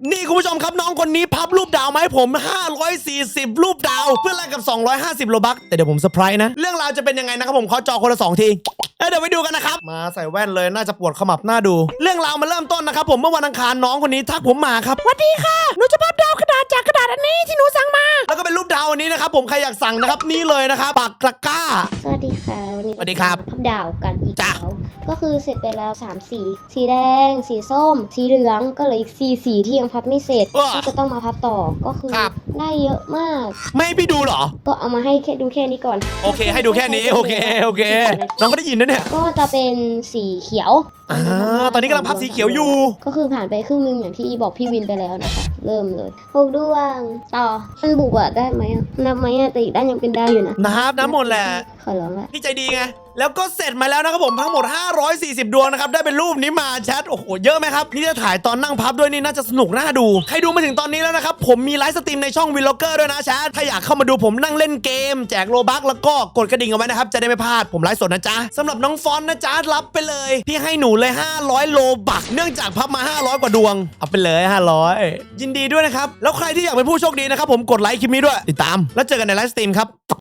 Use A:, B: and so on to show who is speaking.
A: นี่คุณผู้ชมครับน้องคนนี้พับรูปดาวมาให้ผม540รูปดาวเพื่อแลกกับ250โลบัคแต่เดี๋ยวผมเซอร์ไพรส์นะเรื่องราวจะเป็นยังไงนะครับผมขอจอคนละ2ทีเดี๋ยวไปดูกันนะครับมาใส่แว่นเลยน่าจะปวดขมับหน้าดูเรื่องราวมาเริ่มต้นนะครับผมเมื่อวันอังคารน้องคนนี้ทักผมมาครับสวัสดีค่ะหนูจะพับดาวกระดาษจากกระดาษอันนี้ที่หนูสั่งมาแล้วก็เป็นรูปดาวอันนี้นะครับผมใครอยากสั่งนะครับนี่เลยนะครับปากตะกร้า
B: สวัสดีค่ะวันนี้
A: สวัสดีครับ
B: พับดาวกันอีก
A: จ้ะ
B: แล้วก็คือเสร็จไปแล้ว3สีสีแดง สีส้ม สีเหลืองก็เหลืออีก4สีที่ยังพับไม่เสร็จก็จะต้องมาพับต่อก็คือได้เยอะมาก
A: ไม่ให้พี่ดูเหรอ
B: ก็เอามาให้แค่ดูแค่นี้ก่อน
A: โอเคให้ดูแค่นี้โอเคน้องก็ได้ยินนะเนี่ย
B: ก็จะเป็นสีเขียว
A: ตอนนี้กำลังพับสีเขียวอยู่
B: ก็คือผ่านไปครึ่งนึงอย่างที่บอกพี่วินไปแล้วนะคะเริ่มเลย6ดวงต่อมันบุกอะได้ไหมอะนับไหมอะแต่อีกด้านยังเป็นดาวอยู่นะ
A: น้ำหมดแหละ
B: ขอร้องละ
A: พี่ใจดีไงแล้วก็เสร็จมาแล้วนะครับผมทั้งหมด540ดวงนะครับได้เป็นรูปนี้มาแชทโอ้โหเยอะไหมครับนี่จะถ่ายตอนนั่งพับด้วยนี่น่าจะสนุกน่าดูใครดูมาถึงตอนนี้แล้วนะครับผมมีไลฟ์สตรีมในช่องวินล็อกเกอร์ด้วยนะแชทถ้าอยากเข้ามาดูผมนั่งเล่นเกมแจกโลบัคแล้วก็กดกระดิ่งเอาไว้นะครับจะได้ไม่พลาดผมไลฟ์สดนะจ๊ะสำหรับน้องฟอนต์นะจ๊ะรับไปเลยพี่ให้หนูเลย500โลบัคเนื่องจากพับมา500กว่าดวงเอาไปเลย500ยินดีด้วยนะครับแล้วใครที่อยากเป็นผู้โชคดีนะครับผมกดไลค์คลิปนี้ด้วยติดตามแล้วเจอกันในไลฟ์สตรีมครับ